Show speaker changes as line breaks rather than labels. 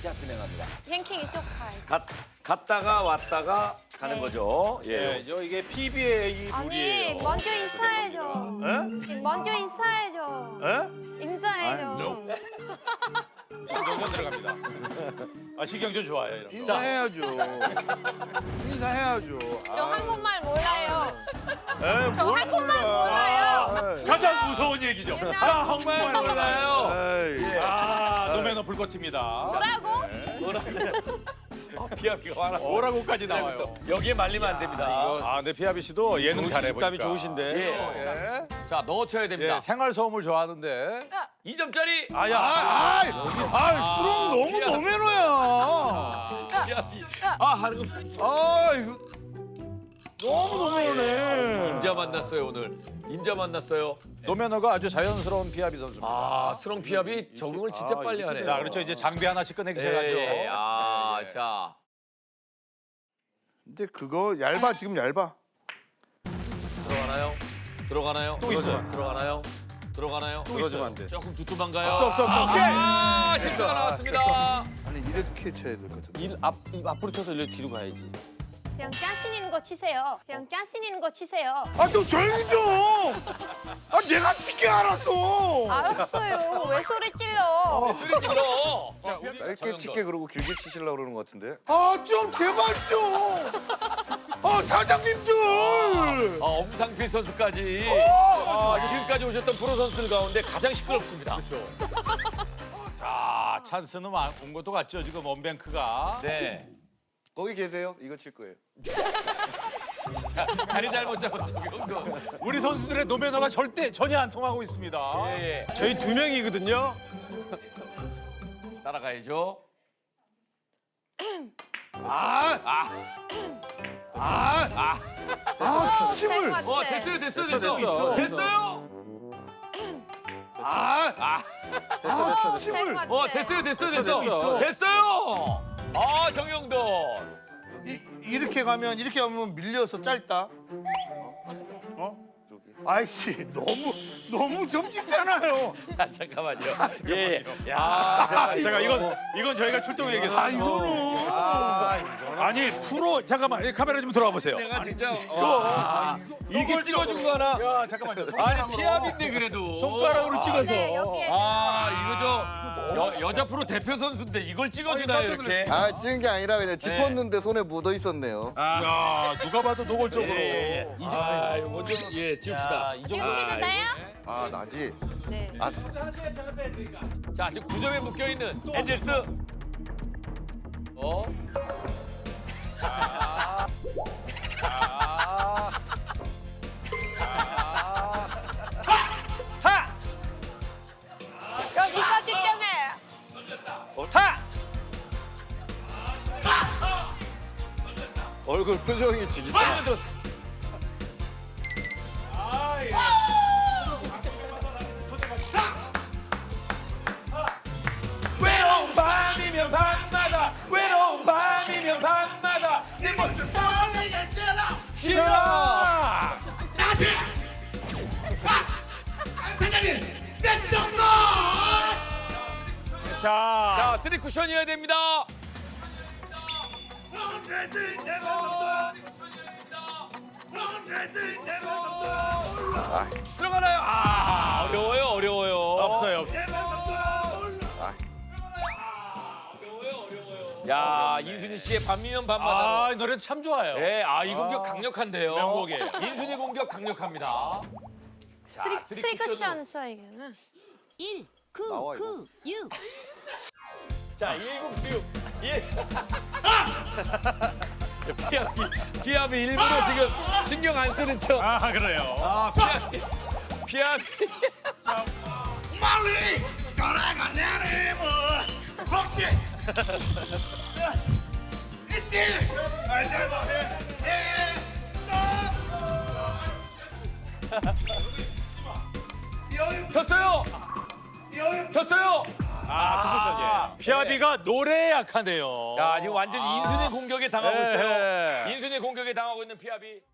자, 진행합니다.
랭킹 이쪽 가.
갔다가 왔다가 가는
네.
거죠. 예.
예, 이게 PBA
아니
룰이에요.
먼저 인사해줘.
에?
먼저 인사해줘.
에?
인사해줘.
시경전 들어갑니다. 아, 시경전 좋아요. 이런 거.
인사해야죠. 인사해야죠.
저 한국말 몰라요.
에이,
저
뭘
한국말
몰라.
몰라요.
가장 무서운 얘기죠.
유나.
아, 정말 몰라요.
에이.
아, 노매너 불꽃입니다.
뭐라고?
피아비가 하나.
뭐라고까지 나와요.
여기에 말리면 안 됩니다.
아, 네, 피아비 씨도 예능 잘해 보니까.
땀이 좋으신데.
예. 자, 넣어쳐야 됩니다.
예, 생활 소음을 좋아하는데.
2점짜리.
아야.
수롱 너무
피아비.
노매너야.
피아비. 아, 하는 거 봤어.
아, 이거 너무 노매너네.
인자 만났어요, 오늘. 인자 만났어요.
노매너가 아주 자연스러운 피아비 선수입니다.
아, 스롱 피아비 적응을 진짜 빨리 하네요.
자, 그렇죠. 이제 장비 하나씩 꺼내기 시작하죠.
예. 아, 자.
근데 그거 얇아 지금 얇아.
들어가나요? 들어가나요?
또 있어요.
들어가나요? 들어가나요?
또 있어요. 안 돼.
조금 두툼한가요?
없어.
아, 실수가 나왔습니다.
아니 이렇게 쳐야 될 것 같은데.
입 앞으로 쳐서 이렇게 뒤로 가야지.
그냥 자신 있는 거 치세요. 그냥 자신 있는 거 치세요.
아 좀 조용히 좀. 아 내가 치게 알았어.
알았어요. 왜 소리 찔러?
소리 질러.
짧게 치게 그러고 길게 치시려고 그러는 것 같은데.
아 좀 제발 좀. 아 사장님들.
엄상필 선수까지 지금까지 오셨던 프로 선수들 가운데 가장 시끄럽습니다. 그렇죠.
자, 찬스는 온 것도 같죠. 지금 원뱅크가.
네.
거기 계세요? 이거 칠 거예요.
다리 잘못 잡은 정도.
우리 선수들의 노매너가 전혀 안 통하고 있습니다.
예.
저희 2명이거든요.
따라가야죠.
침을.
될것 같아.
됐어요. 됐어요.
침을.
될것 같아.
됐어요. 아, 정영돈.
이렇게 가면 밀려서 짧다. 아이씨 너무 점찍잖아요.
아, 잠깐만요. 예. 야,
제가 이건 저희가 출동해야겠어요.
아 이거는.
아니 프로 잠깐만 카메라 좀 들어와 보세요.
내가 진짜 이게 찍어준 거 하나.
야 잠깐만요.
아니 피압인데 그래도
손가락으로 찍어서.
네, 여기에.
이거 저 여자 프로 대표 선수인데 이걸 찍어주나요 이렇게?
아 찍은 게 아니라 그냥 짚었는데 손에 묻어 있었네요.
야 누가 봐도 노골적으로.
이거 좀 지웁시다.
지금 치도 돼요?
아 나지.
네.
아
자 지금 9점에 묶여 있는 엔젤스.
여기서 집중해.
얼굴 표정이 지기다.
외로운 밤이면 밤마다 외로운 밤이면 밤마다 네 모습 보내기 싫어.
자,
자, 3 쿠션이어야 됩니다. 들어가나요? 어려워요.
없어요.
야, 인순이 씨의 밤이면 밤마다.
이 노래 참 좋아요.
네, 이 공격 강력한데요.
명곡이에요.
인순이 공격 강력합니다.
쓰리 쿠션 써야겠나?
1, 9,
나와,
9, 6.
자, 1996. 예. 피압이 일부러 지금 신경 안 쓰는 척.
그래요.
피압이.
멀리 돌아가냐니 뭐 혹시 있지 알잖아
졌어요.
피아비가 노래에 약하네요.
야, 지금 완전히 인순이 공격에 당하고
예.
있어요. 인순이 공격에 당하고 있는 피압이.